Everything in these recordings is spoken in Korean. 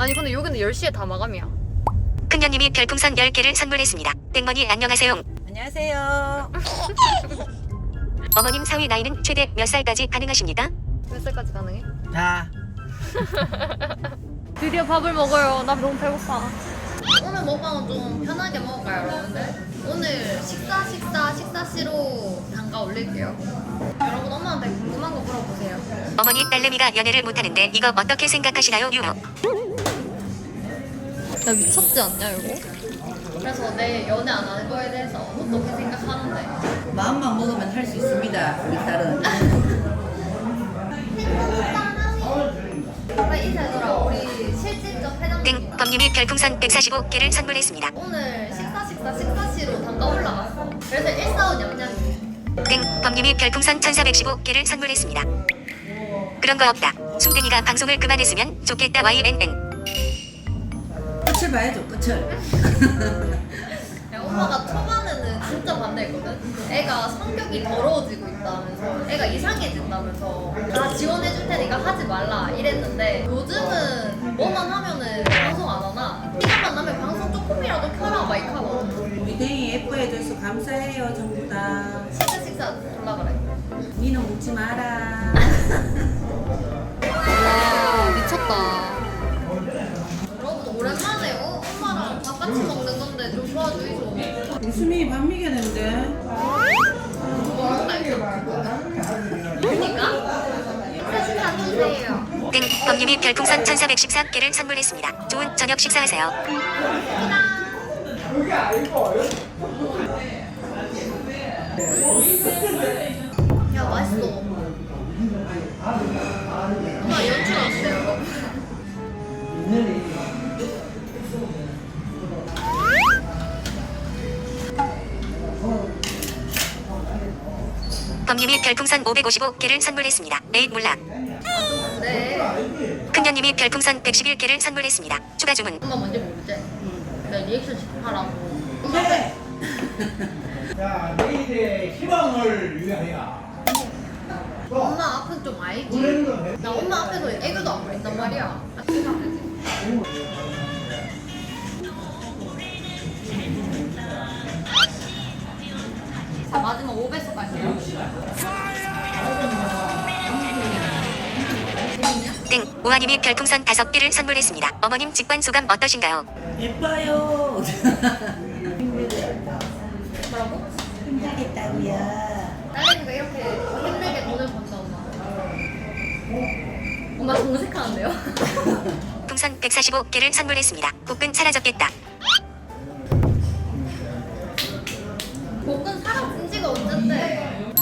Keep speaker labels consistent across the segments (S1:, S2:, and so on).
S1: 아니 근데 여기는 10시에 다 마감이야.
S2: 큰년님이 별풍선 10개를 선물했습니다. 땡머니 안녕하세요.
S3: 안녕하세요.
S2: 어머님 사위 나이는 최대 몇 살까지 가능하십니까?
S1: 몇 살까지 가능해?
S3: 자,
S1: 드디어 밥을 먹어요. 나 너무 배고파. 오늘 먹방은 좀 편하게 먹을까요, 여러분들? 오늘 식사시로 단가 올릴게요. 여러분 엄마한테 궁금한 거 물어보세요.
S2: 어머니 딸내미가 연애를 못하는데 이거 어떻게 생각하시나요? 유머.
S1: 나 미쳤지 않냐 이거? 그래서 내 연애 안 하는 거에 대해서 어떻게 생각하는데?
S3: 마음만 먹으면 할 수 있습니다. 우리 딸은.
S1: 빨리 인사해줘라. 우리 실질적 회장.
S2: 땡 범님이 별풍선 145개를 선물했습니다.
S1: 오늘 식사시로 단가 올라갔어. 그래서 145 냠냠이.
S2: 땡 범님이 별풍선 1415개를 선물했습니다. 그런 거 없다. 숭댕이가 방송을 그만했으면 좋겠다. YNN.
S3: 끝을 봐야죠. 끝을.
S1: 야, 엄마가 초반에는 진짜 반대했거든. 애가 성격이 더러워지고 있다면서, 애가 이상해진다면서 다 지원해줄 테니까 하지 말라 이랬는데 요즘은 뭐만 하면은 방송 안 하나? 시간만 나면 방송 조금이라도 켜라 막 이카노.
S3: 우리 댕이 예뻐해줘서 감사해요. 전부 다.
S1: 식사 졸라 그래.
S3: 니는 묻지 마라.
S1: 와 미쳤다. 여러분 오랜만에 엄마랑 밥 같이 먹는 건데 좀 도와주이소.
S3: 웃음이 밥 미겨낸데.
S1: 뭐한다 이거. 그러니까? 식사 주세요.
S2: 땡 범님이 별풍선 1414개를 선물했습니다. 좋은 저녁 식사하세요.
S1: 야 맛있어. 엄마 연출 왔어요.
S2: 범님이 별풍선 555개를 선물했습니다. 에잇 몰라.
S1: 네.
S2: 큰년님이 별풍선 111개를 선물했습니다. 추가 주문.
S1: 엄마 뭔지 모르지? 나 리액션 집하라고.
S3: 네.
S4: 자, 내일의 희망을 위하여.
S1: 엄마 앞은 좀 알지? 나 엄마 앞에서 애교도 안 부린단 말이야. 아, 생각하지. 자, 마지막 5배속 갈게요.
S2: 땡 우아님이 별풍선 5개를 선물했습니다. 어머님 직관 소감 어떠신가요?
S3: 예뻐요.
S1: 뭐라고?
S3: 힘들겠다고요.
S1: 딸내미가 이렇게 힘들게 돈을 번다, 엄마. 엄마 정색하는데요?
S2: 풍선 145개를 선물했습니다. 복근 사라졌겠다.
S1: 복근 사라진 지가 언젠데?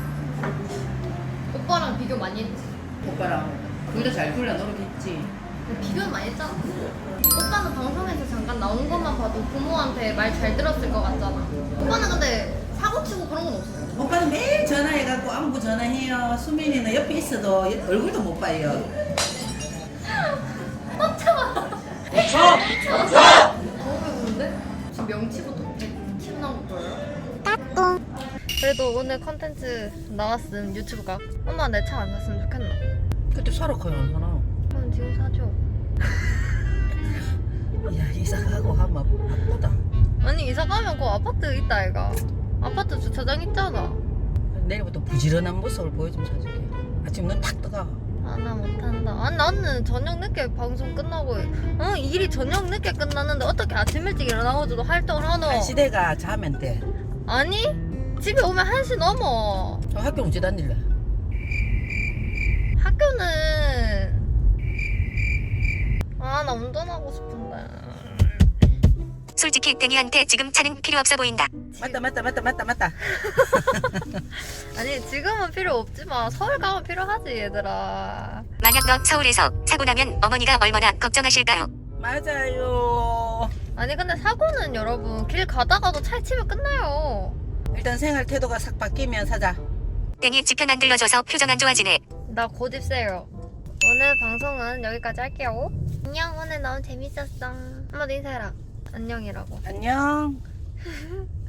S1: 오빠랑 비교 많이 했지?
S3: 오빠랑 둘 다 잘 굴려 노력했지.
S1: 비교는 많이 했잖아. 오빠는 방송에서 잠깐 나온 것만 봐도 부모한테 말 잘 들었을 것 같잖아. 오빠는 근데 사고 치고 그런 건 없어.
S3: 오빠는 매일 전화해갖고 안부 전화해요. 수민이는 옆에 있어도 얼굴도 못 봐요.
S1: 깜짝아. 너무 배부른데? 지금 명치부터 100kg 나온 거 보여요? 그래도 오늘 컨텐츠 나왔음 유튜브가. 엄마 내 차 안 샀으면 좋겠나?
S3: 그때 사러 가요, 안 사나?
S1: 그럼 지금 사줘.
S3: 야, 이사 가고 하면 바쁘다.
S1: 아니 이사 가면 그 아파트 있다 애가. 아파트 주차장 있잖아.
S3: 내일부터 부지런한 모습을 보여주면 사줄게. 아침 눈 탁 떠가.
S1: 아 나 못한다. 아 나는 저녁 늦게 방송 끝나고 일이 저녁 늦게 끝났는데 어떻게 아침 일찍 일어나가지고 활동을 하노?
S3: 시대가 자면 돼.
S1: 아니 집에 오면 1시 넘어.
S3: 학교 언제 다닐래?
S1: 학교는 아 나 운전하고 싶은데.
S2: 솔직히 땡이한테 지금 차는 필요 없어 보인다.
S3: 맞다.
S1: 아니 지금은 필요 없지만 서울 가면 필요하지 얘들아.
S2: 만약 너 서울에서 사고 나면 어머니가 얼마나 걱정하실까요?
S3: 맞아요.
S1: 아니 근데 사고는 여러분 길 가다가도 차에 치면 끝나요.
S3: 일단 생활 태도가 싹 바뀌면 사자.
S2: 땡이 지편 안 들러줘서 표정 안 좋아지네.
S1: 나 곧 입세요. 오늘 방송은 여기까지 할게요. 안녕 오늘 너무 재밌었어. 한마디 인사해라. 안녕이라고.
S3: 안녕.